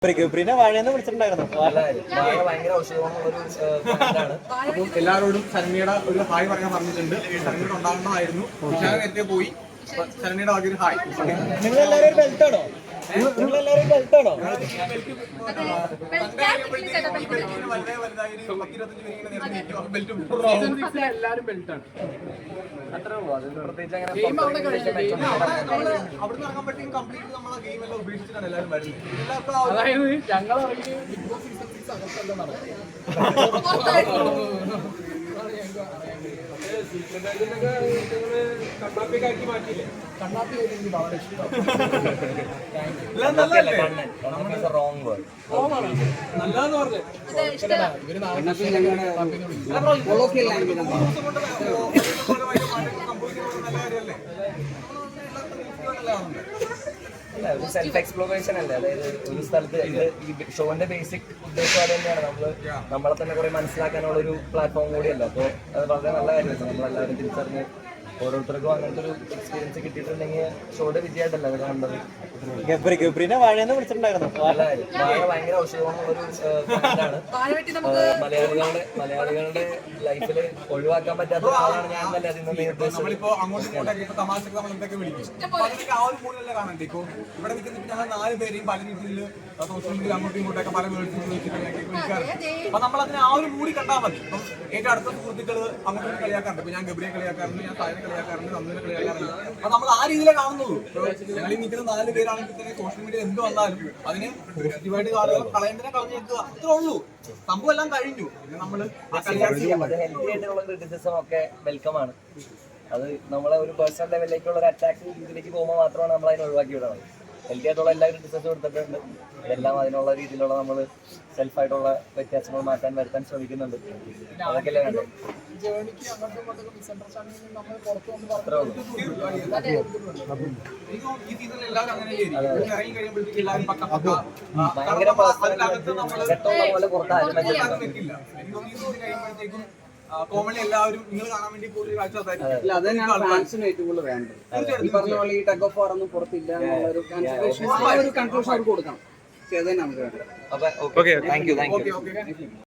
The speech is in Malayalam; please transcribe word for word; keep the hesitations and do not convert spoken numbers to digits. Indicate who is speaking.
Speaker 1: വാഴയെന്ന് വിളിച്ചിട്ടുണ്ടായിരുന്നു.
Speaker 2: ഭയങ്കര ഔഷധമുള്ളൊരു ബ്രാൻഡാണ്.
Speaker 3: അപ്പം എല്ലാവരോടും ശരണ്യയുടെ ഒരു ഹായ് പറയാൻ പറഞ്ഞിട്ടുണ്ട്. ശരണ്യയുടെ ഉണ്ടാകണമായിരുന്നു. ഞാൻ നേരത്തെ പോയി. ശരണ്യയുടെ ആദ്യം ഹായ്.
Speaker 1: നിങ്ങൾ എല്ലാവരും ബെൽറ്റാണോ? നിങ്ങൾ എല്ലാവരും ബെൽറ്റാണോ?
Speaker 3: എല്ലാവരും ബെൽറ്റാണ്.
Speaker 2: അത്രേ ഉള്ളൂ. അത് പ്രത്യേകിച്ച് അങ്ങനെ
Speaker 3: അവിടുന്ന് ഇറങ്ങുമ്പോഴത്തേക്കും കംപ്ലീറ്റ് നമ്മളെ ഗെയിം എല്ലാം ഉപേക്ഷിച്ചിട്ടാണ് എല്ലാവരും വരുന്നത്. അതായത് ഞങ്ങൾ ഇറങ്ങി ബിഗ് ബോസ് സീസൺ സിക്സ് അകത്തെല്ലാം നടക്കും. കണ്ണാപ്പിയൊക്കെ മാറ്റിയില്ലേ? കണ്ണാപ്പി എനിക്ക് വളരെ ഇഷ്ടം.
Speaker 2: റോങ് വേർഡ്
Speaker 3: നല്ലതെന്ന് പറഞ്ഞു ഇവര്
Speaker 2: ഒരു സെൽഫ് എക്സ്പ്ലോറേഷൻ അല്ലേ. അതായത് ഒരു സ്ഥലത്ത് ഇത് ഈ ഷോന്റെ ബേസിക് ഉദ്ദേശം അത് തന്നെയാണ്. നമ്മള് നമ്മളെ തന്നെ കുറെ മനസ്സിലാക്കാനുള്ള ഒരു പ്ലാറ്റ്ഫോം കൂടിയല്ല. അപ്പോൾ അത് വളരെ നല്ല കാര്യമാണ്. നമ്മളെല്ലാവരും തിരിച്ചറിഞ്ഞ് ഓരോരുത്തർക്കും അങ്ങനത്തെ ഒരു എക്സ്പീരിയൻസ് കിട്ടിയിട്ടുണ്ടെങ്കിൽ ഷോയുടെ വിജയമായിട്ടല്ല അത് കണ്ടത്.
Speaker 1: വാഴയെന്ന് വിളിച്ചിട്ടുണ്ടായിരുന്നു.
Speaker 2: വാഴ ഭയങ്കര ഔഷധമുള്ളൊരു ബ്രാൻഡാണ്. മലയാളികളുടെ മലയാളികളുടെ ലൈഫിൽ ഒഴിവാക്കാൻ പറ്റാത്ത ആളാണ് ഞാൻ തന്നെ അതിന്
Speaker 3: നമ്മളിപ്പോ അങ്ങോട്ടും ഇങ്ങോട്ടൊക്കെ തമാശക്ക് നമ്മൾ എന്തൊക്കെ വിളിക്കും. അതൊക്കെ ആ ഒരു മൂലല്ലേ കാണണ്ടേ. ഇപ്പൊ ഇവിടെ നിൽക്കുന്ന ഞങ്ങൾ നാല് പേരെയും പല രീതിയിൽ സോഷ്യൽ മീഡിയ അങ്ങോട്ടും ഇങ്ങോട്ടൊക്കെ പല വേർഡ്സ് വിളിക്കാറുണ്ട്. അപ്പൊ നമ്മൾ അതിനെ ആ ഒരു മൂടി കണ്ടാൽ മതി. ഇപ്പം ഏറ്റവും അടുത്ത സുഹൃത്തുക്കള് അങ്ങോട്ടും കളിയാക്കാറുണ്ട്. ഇപ്പൊ ഞാൻ ഗബ്രിയെ കളിയാക്കാറുണ്ട്, ഞാൻ സായനെ കളിയാക്കാറുണ്ട്, നന്ദിനെ കളിയാക്കാറുണ്ട്. അപ്പൊ നമ്മൾ ആ രീതിയിലേ കാണുന്നുള്ളൂ. ഞങ്ങൾ ഈ നിൽക്കുന്ന നാല് പേരാണെങ്കിൽ തന്നെ സോഷ്യൽ മീഡിയ എന്ത് വന്നാലും അതിന് പോസിറ്റീവായിട്ട് ആളുകൾ കളയുന്നതിനെ കളഞ്ഞേക്കുക. അത്രേ ഉള്ളൂ. സംഭവം എല്ലാം കഴിഞ്ഞു. നമ്മള്
Speaker 2: ഹെൽത്തി ആയിട്ടുള്ള ക്രിറ്റിസിസം ഒക്കെ വെൽക്കം ആണ്. അത് നമ്മളെ ഒരു പേഴ്സണൽ ലെവലിലേക്കുള്ള ഒരു അറ്റാക്ക് ഇതിലേക്ക് പോകുമ്പോൾ മാത്രമാണ് നമ്മൾ അതിനെ ഒഴിവാക്കി വിടുന്നത്. ഹെൽത്തി ആയിട്ടുള്ള എല്ലാ ക്രിറ്റിസിസും എടുത്തിട്ടുണ്ട്. ഇതെല്ലാം അതിനുള്ള രീതിയിലുള്ള നമ്മൾ സെൽഫായിട്ടുള്ള വ്യത്യാസങ്ങൾ മാറ്റാൻ വരുത്താൻ ശ്രമിക്കുന്നുണ്ട്. അതൊക്കെയല്ലേ വേണ്ടത്. അത്രേ ഉള്ളൂ. ഭയങ്കര സെറ്റുള്ള പോലെ പുറത്ത് ആരും വെച്ചിട്ടില്ല.
Speaker 3: കോമഡി എല്ലാവരും നിങ്ങൾ കാണാൻ വേണ്ടി കൂടുതൽ കാഴ്ച
Speaker 4: അത് തന്നെയാണ് ഫാൻസിന് ഏറ്റവും കൂടുതൽ വേണ്ടത്. ഈ പറഞ്ഞ പോലെ ഈ ടഗ് ഓഫ് വാർ ഒന്നും പുറത്തില്ല എന്നുള്ളൊരു കൺക്ലൂഷൻ അവർക്ക് കൊടുക്കണം. അത് തന്നെ നമുക്ക് വേണ്ടത്.
Speaker 2: അപ്പൊ okay thank you thank U.